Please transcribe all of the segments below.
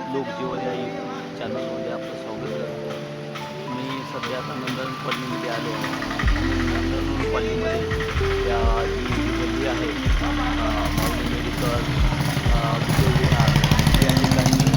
लोकजीवन या यूट्यूब चॅनलमध्ये आपलं स्वागत करतो. मी सध्या आता नंदन कॉलनीमध्ये आलो आहे. नंदन कॉलनीमध्ये या जी गल्ली आहे माऊली मेडिकल विहार या ठिकाणी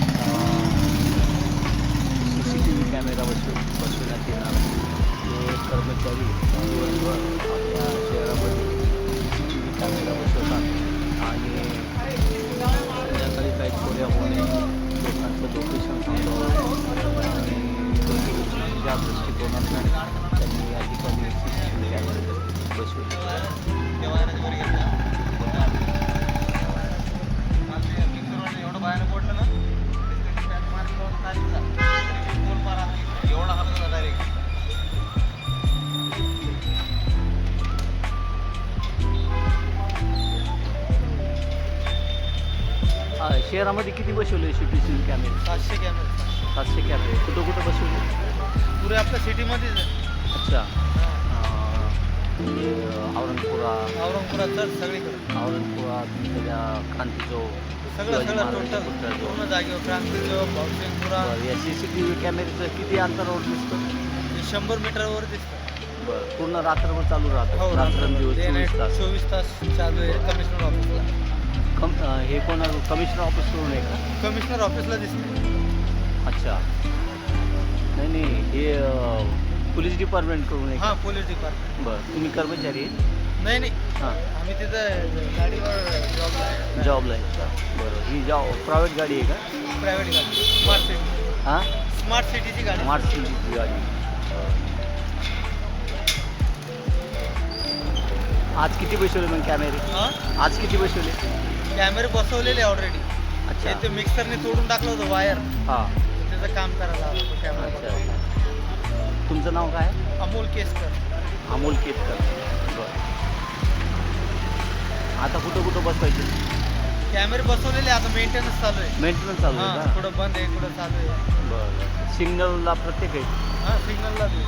CCTV कॅमेरा बसवण्यात येणार. हे कर्मचारी दिवसभर आपल्या शहरामध्ये CCTV कॅमेरा बसवतात आणि संध्याकाळी काही चोऱ्या होणे, लोकांचं लोकेशन सांगावं आणि ज्या दृष्टिकोनातून त्यांनी या ठिकाणी CCTV कॅमेरे बसवले. शहरामध्ये किती बसवले CCTV कॅमेरे? 700 कॅमेरे. 700 कॅमेरे. कुठं कुठं बसवले? पुरे आपल्या सिटीमध्येच आहे. अच्छा. म्हणजे औरंगपुरात तर सगळीकडे. औरंगपुरा तुमच्या क्रांती चौक सगळं टोटल पूर्ण जागेवर क्रांती चौक, भाऊसिंगपुरा. या CCTV कॅमेऱ्याचं किती अंतरावर दिसतं? 100 मीटरवर दिसतं. बरं. पूर्ण रात्रभर चालू राहतं? हो, रात्रंदिवस 24 तास चालू आहे कमिशनर ऑफिसला. हे कोणा कमिशनर ऑफिसकडून आहे का? कमिशनर ऑफिसला दिसते. अच्छा. नाही हे पोलीस डिपार्टमेंटकडून आहे? हां, पोलीस डिपार्टमेंट. बरं. तुम्ही कर्मचारी आहे? नाही हां. आम्ही तिथं गाडीवर जॉबला आहे. जॉबला आहे. बरं. ही प्रायव्हेट गाडी आहे का? प्रायव्हेट गाडी, स्मार्ट सिटी. हां, स्मार्ट सिटीची गाडी. स्मार्ट सिटीची गाडी. आज किती बसवले मग कॅमेरे? हां, आज किती बसवले? कॅमेरे बसवलेले ऑलरेडी. अच्छा. ते मिक्सरने तोडून टाकलं होतं वायर. हां. त्याचं काम करायला हवं होतं कॅमेरा. अच्छा. तुमचं नाव काय? अमोल केसकर. अमोल केतकर. बरं. आता कुठं बसवायचे? कॅमेरे बसवलेले, आता मेंटेनन्स चालू आहे. मेंटेनन्स चालू आहे हां, का? कुठं बंद आहे, कुठं चालू आहे. बरं. सिग्नलला प्रत्येक आहे? हां, सिग्नलला बी.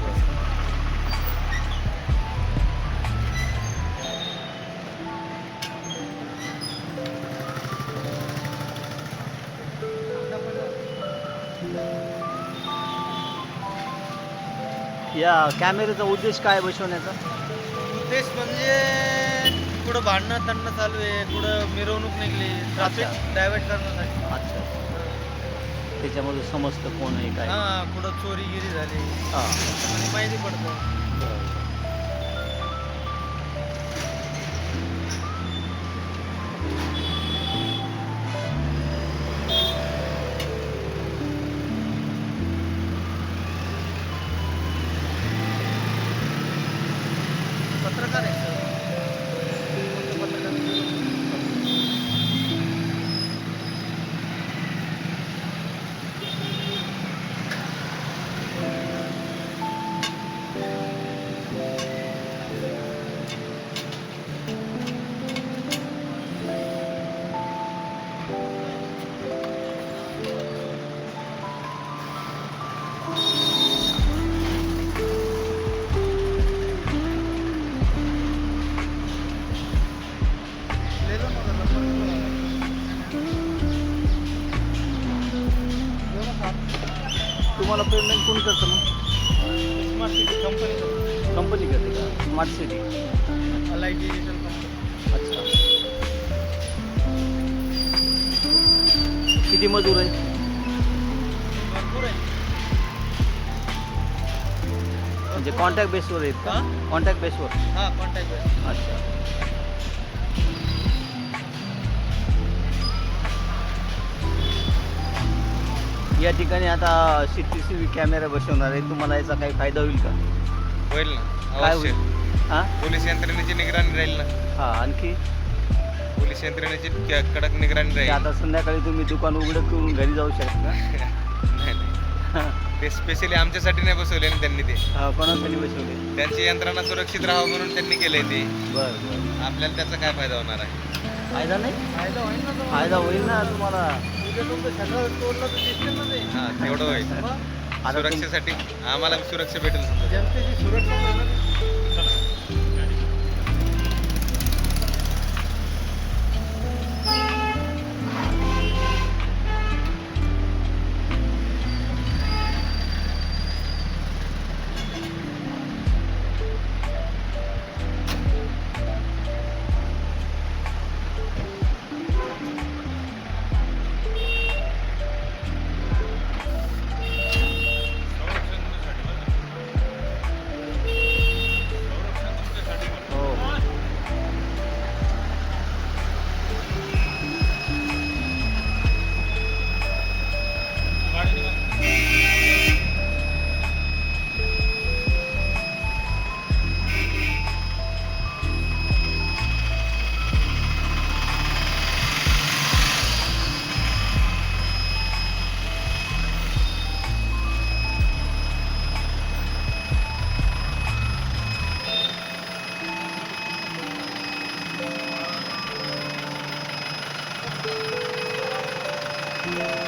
या कॅमेऱ्याचा उद्देश काय बसवण्याचा? उद्देश म्हणजे कुठं भांडणं तंडणं चालू आहे, कुठं मिरवणूक निघली, ट्रॅफिक डायव्हर्ट करण्यासाठी. अच्छा. त्याच्यामध्ये समजतं कोण आहे काय? हां, कुठं चोरीगिरी झाली हां. आणि माहिती पडतं. पत्रकार आहे सर. पत्रकार. तुम्हाला पेमेंट कोण करतं मग? Smart city company. कंपनी करते का? Smart city. LIT digital company. अच्छा. किती मजूर आहे? भरपूर आहे. म्हणजे कॉन्टॅक्ट बेसवर आहेत का? हां? कॉन्टॅक्ट बेसवर. हां, कॉन्टॅक्ट बेस. अच्छा. या ठिकाणी आता CCTV कॅमेरा बसवणार आहे. तुम्हाला याचा काही फायदा होईल का? होईल ना, काय अवश्य. होईल? हां पोलीस यंत्रणेची निगराणी राहील ना. हां. आणखी पोलीस यंत्रणेची कडक निगराणी ते राहील. आता संध्याकाळी तुम्ही दुकान उघडं करून घरी जाऊ शकता. नाही, ते स्पेशली आमच्यासाठी नाही बसवले ना त्यांनी ते. कोणासाठी बसवले? त्यांची यंत्रणा सुरक्षित राहावं म्हणून त्यांनी केलंय ते. बरं बरं. आपल्याला त्याचा काय फायदा होणार आहे? फायदा नाही? फायदा होईल ना तुम्हाला. फायदा होईल ना तुम्हाला. उद्या तुमचं सगळं तोडलं तर दिसतील ना ते. हां, तेवढं होईल. मग आता सुरक्षेसाठी आम्हाला सुरक्षा भेटेल समजा. जनतेची सुरक्षा होईल ना ती. आहे